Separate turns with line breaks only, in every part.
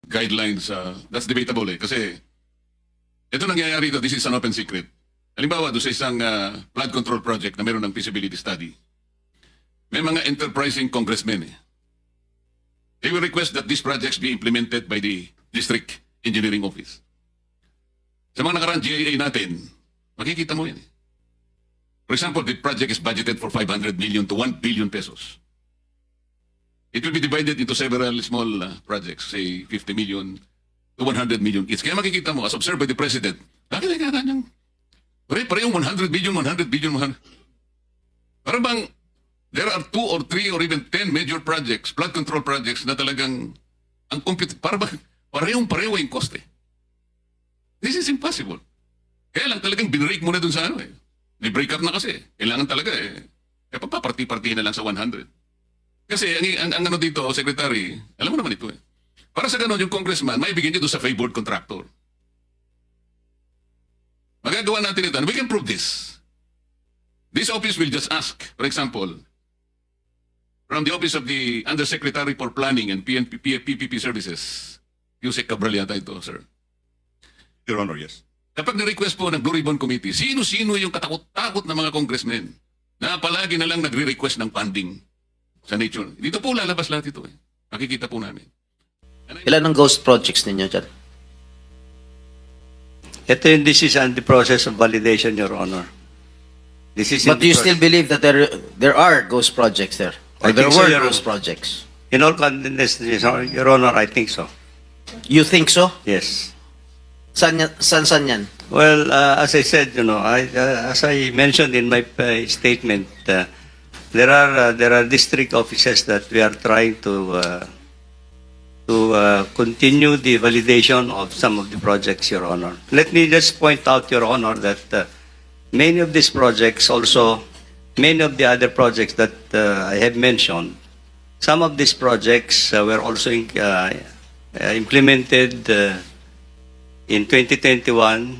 guidelines, that's debatable eh. Kasi ito nangyayari ito, this is an open secret. Halimbawa, doon sa isang flood control project na meron ng feasibility study, may mga enterprising congressmen eh. They will request that these projects be implemented by the District Engineering Office. Sa mga nakaraan GIA natin, makikita mo yan eh. For example, the project is budgeted for 500 million to 1 billion pesos. It will be divided into several small projects, say 50 million to 100 million each. Kaya makikita mo, as observed by the President, bakit ay kanyang parehong 100 billion, 100 billion, 100. Para bang there are 2 or 3 or even 10 major projects, flood control projects na talagang ang compute, para bang pareho yung cost eh. This is impossible. Kaya lang talagang binrake mo na dun sa ano eh. May break up na kasi. Kailangan talaga eh. Papaparti-partihin na lang sa 100. Kasi ang ano dito, Secretary, alam mo naman ito eh. Para sa ganun, yung congressman, may bigyan niya doon sa favored contractor. Magagawa natin ito. And we can prove this. This office will just ask, for example, from the office of the Undersecretary for Planning and PPP Services, Yusek Cabral yata ito, sir.
Your Honor, yes.
Kapag na-request po ng Blue Ribbon Committee, sino-sino yung katakot-takot na mga congressmen na palagi na lang nagre-request ng funding sa nature. Dito po lalabas lahat ito eh. Makikita po namin.
Ilan ang ghost projects ninyo dyan?
This is on the process of validation, Your Honor. This is
But do you still believe that there are ghost projects there? Or
I
there
think so,
were
Your
ghost
Honor.
projects?
In all candidness, Your Honor, I think so.
You think so?
Yes.
Saan yan?
Well, as I said, as I mentioned in my statement, there are district offices that we are trying to continue the validation of some of the projects, Your Honor. Let me just point out, Your Honor, that many of these projects also, many of the other projects that I have mentioned, some of these projects were also implemented in 2021,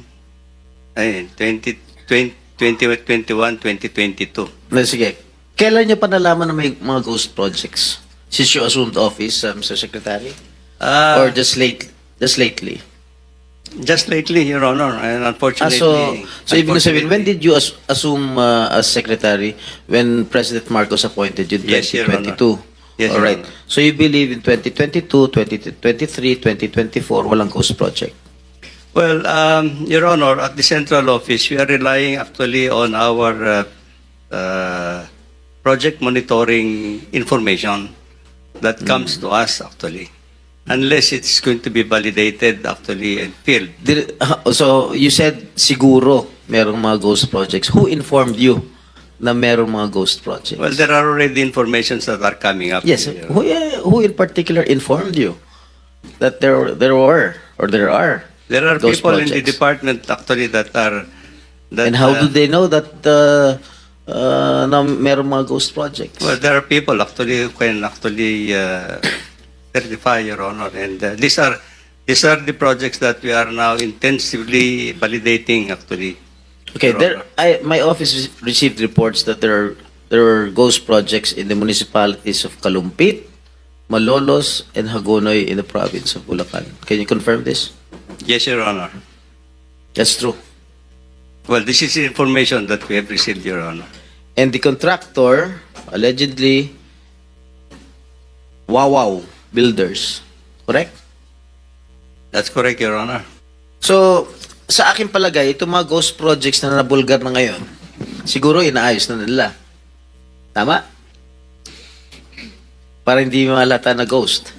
2022.
Sige. Kailan nyo pa nalaman na may mga ghost projects? Since you assumed office, Mr. Secretary? Or just lately?
Just lately, Your Honor, and unfortunately.
So ibig sabihin, when did you assume as Secretary when President Marcos appointed you in
Yes, Your
2022?
Yes,
All
Your
right.
Honor.
So you believe in 2022, 2023, 2024, walang ghost project?
Well, Your Honor, at the central office, we are relying actually on our project monitoring information that comes to us actually, unless it's going to be validated actually and filled.
So you said siguro merong mga ghost projects. Who informed you na merong mga ghost projects?
Well, there are already informations that are coming up.
Yes.
Your Honor.
Who in particular informed you that there are
There are
ghost
people in the
projects?
department actually that are.
And how do they know that na merong mga ghost projects?
Well, there are people actually who can actually certify, Your Honor, and these are the projects that we are now intensively validating actually.
Okay,
Your Honor.
my office received reports that there are ghost projects in the municipalities of Kalumpit, Malolos, and Hagonoy in the province of Bulacan. Can you confirm this?
Yes, Your Honor.
That's true.
Well, this is information that we have received, Your Honor.
And the contractor, allegedly, Wawaw Builders. Correct?
That's correct, Your Honor.
So, sa akin palagay, itong mga ghost projects na nabulgar na ngayon, siguro inaayos na nila. Tama? Para hindi malata na ghost.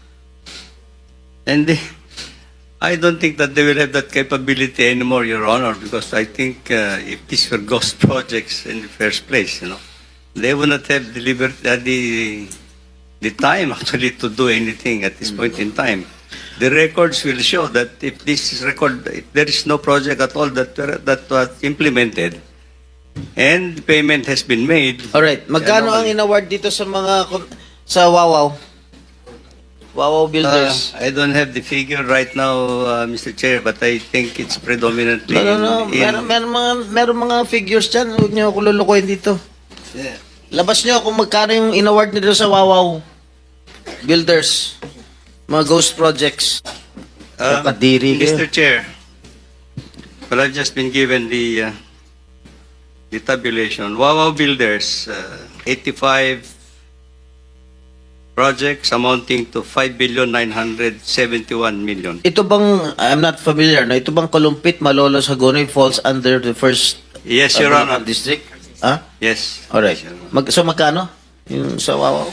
And I don't think that they will have that capability anymore, Your Honor, because I think if these were ghost projects in the first place, they would not have delivered the time actually to do anything at this point in time. The records will show that if there is no project at all that was implemented, and payment has been made.
Alright, magkano ang in-award dito sa mga, sa Wawaw? Wawaw Builders.
I don't have the figure right now, Mr. Chair, but I think it's predominantly
No. Meron mga figures dyan. Huwag niyo ako lulukoyin dito.
Yeah.
Labas niyo kung magkano yung in-award nila sa Wawaw Builders. Mga ghost projects. Kadiri kayo.
Mr. Chair, well, I've just been given the tabulation. Wawaw Builders, 85 projects amounting to 5,971,000,000.
Ito bang, I'm not familiar, no? Ito bang Kalumpit, Malolos, Hagonoy falls under the first
Yes, Your
Bulacan
Honor.
district? Ha?
Yes.
Alright.
Yes, Your Honor.
So magkano? Yung sa Wawaw?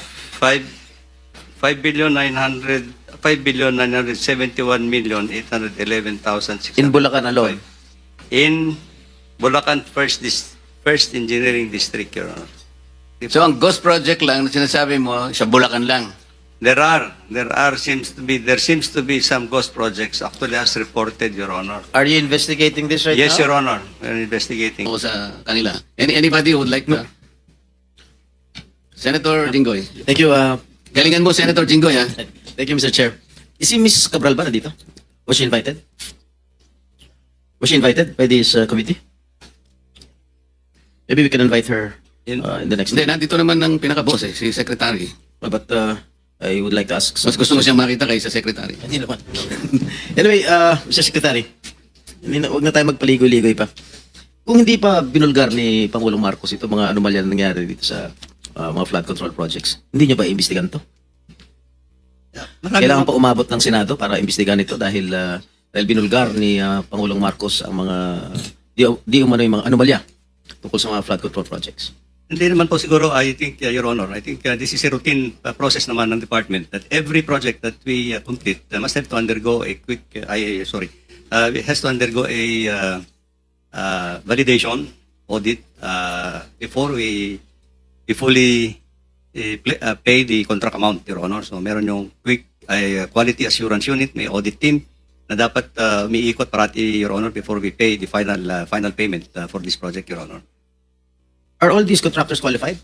5,971,811,600.
In Bulacan alone?
In Bulacan First Engineering District, Your Honor.
So ang ghost project lang na sinasabi mo, sa Bulacan lang.
There seems to be some ghost projects actually as reported, Your Honor.
Are you investigating this right
Yes,
now?
Your Honor. We're investigating.
O sa kanila. Anybody who would like to? Senator Jinggoy.
Thank you,
Galingan mo, Senator Jinggoy, ha?
thank you, Mr. Chair. Is si Miss Cabral ba na dito? Was she invited? Was she invited by this committee? Maybe we can invite her in the next
Hindi, nandito naman ang pinaka-boss eh, si Secretary.
But I would like to ask
Mas gusto mo siyang makita kaysa Secretary.
Hindi naman. Anyway, Mr. Secretary, huwag na tayo magpaligoy-ligoy pa. Kung hindi pa binulgar ni Pangulong Marcos ito mga anomalya na nangyari dito sa mga flood control projects, hindi niyo ba iimbestigan to? Kailangan pa umabot ng Senado para imbestigan ito dahil binulgar ni Pangulong Marcos ang mga di umano yung mga anomalya tungkol sa mga flood control projects.
Hindi naman po siguro, I think, Your Honor, I think this is a routine process naman ng department that every project that we complete must have to undergo a quick, it has to undergo a validation audit before we fully pay the contract amount, Your Honor. So meron yung quick quality assurance unit, may audit team na dapat umiikot parati, Your Honor, before we pay the final payment for this project, Your Honor.
Are all these contractors qualified?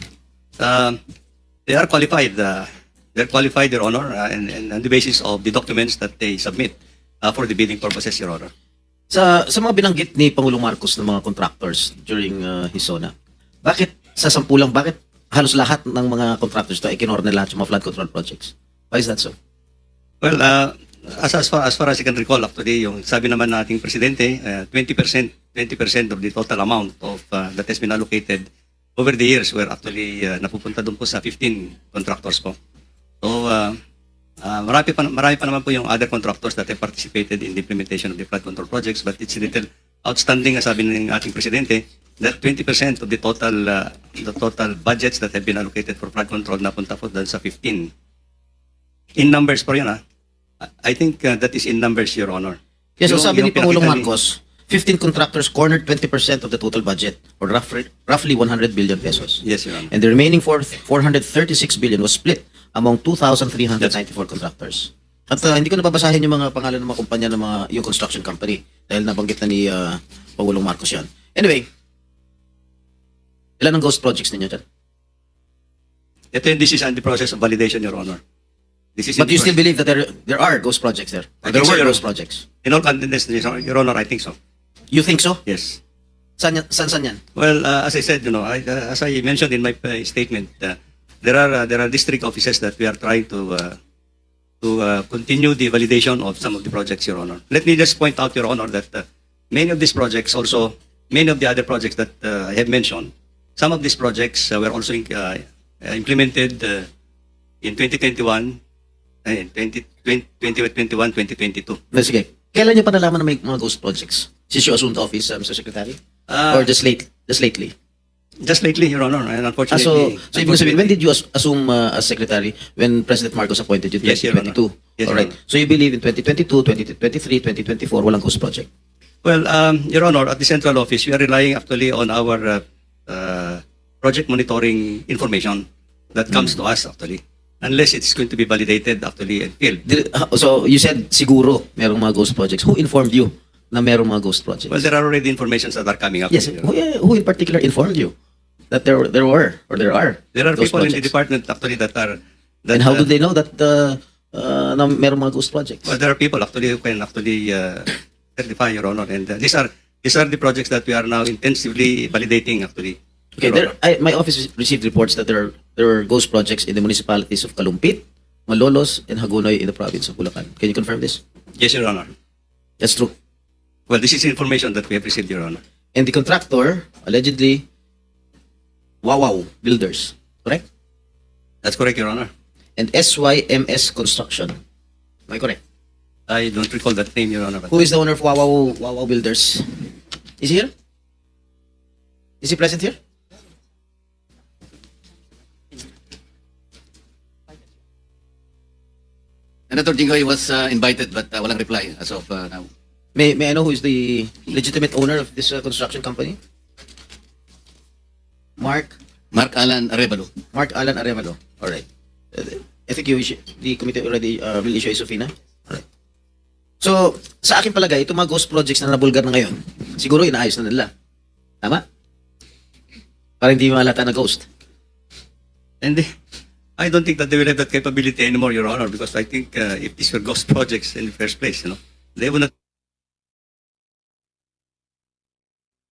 They are qualified. They're qualified, Your Honor, and on the basis of the documents that they submit for the bidding purposes, Your Honor.
Sa mga binanggit ni Pangulong Marcos ng mga contractors during his SONA, bakit sa sampulang, bakit halos lahat ng mga contractors to ay kinorder na lahat yung mga flood control projects? Why is that so?
Well, as far as I can recall, actually, yung sabi naman nating presidente, 20% of the total amount of that has been allocated over the years were actually napupunta doon po sa 15 contractors po. So, marami pa naman po yung other contractors that have participated in the implementation of the flood control projects, but it's a little outstanding, sabi ng ating presidente, that 20% of the total budgets that have been allocated for flood control napunta po doon sa 15. In numbers po yun, I think that is in numbers, Your Honor.
Yes, so
Yung-
sabi ni
yung
Pangulong
pinakita ni-
Marcos, 15 contractors cornered 20% of the total budget, or roughly 100 billion pesos.
Yes, Your Honor.
And the remaining 436 billion was split among 2,394 contractors. At hindi ko nababasahin yung mga pangalan ng mga kumpanya ng yung construction company dahil nabanggit na ni Pangulong Marcos yan. Anyway, ilan ang ghost projects ninyo dyan?
This is on the process of validation, Your Honor. This is in
But you
the
still believe that there are ghost projects there? Or
I
there
think so,
were
Your
ghost
Honor.
projects?
In all contents, Your Honor, I think so.
You think so?
Yes.
Saan yan?
Well, as I said, as I mentioned in my statement, there are district offices that we are trying to continue the validation of some of the projects, Your Honor. Let me just point out, Your Honor, that many of these projects, also many of the other projects that I have mentioned, some of these projects were also implemented in 2021, 2021, 2022.
Sige. Kailan nyo pa nalaman na may mga ghost projects? Since you assumed office, Mr. Secretary? Or just lately?
Just lately, Your Honor, and
So
unfortunately.
ibig sabihin, when did you assume as Secretary when President Marcos appointed you?
Yes, Your Honor.
2022?
Yes, Your
Alright.
Honor.
So you believe in 2022, 2023, 2024, walang ghost project?
Well, Your Honor, at the central office, we are relying actually on our project monitoring information that comes to us actually, unless it's going to be validated actually and filled.
So you said siguro merong mga ghost projects. Who informed you na merong mga ghost projects?
Well, there are already informations that are coming up.
Yes.
Your Honor.
Who in particular informed you that there are
There are
ghost
people in the
projects?
department actually that are.
And how do they know that na merong mga ghost projects?
Well, there are people actually who can actually certify, Your Honor, and these are the projects that we are now intensively validating actually.
Okay,
Your Honor.
my office received reports that there were ghost projects in the municipalities of Kalumpit, Malolos, and Hagonoy in the province of Bulacan. Can you confirm this?
Yes, Your Honor.
That's true.
Well, this is information that we have received, Your Honor.
And the contractor, allegedly, Wawaw Builders, correct?
That's correct, Your Honor.
And SYMS Construction. Am I correct?
I don't recall that name, Your Honor. But
Who is the owner of Wawaw Builders? Is he here? Is he present here?
Senator Jinggoy was invited but walang reply as of now.
May I know who is the legitimate owner of this construction company? Mark
Mark Alan Arevalo.
Alan Arevalo. All right. I think the committee already will issue a subpoena. All right. So, sa akin palagay, itong mga ghost projects na nabulgar na ngayon, siguro inaayos na nila. Tama? Para hindi malata na ghost.
And I don't think that they will have that capability anymore, Your Honor, because I think if these were ghost projects in the first place, they would not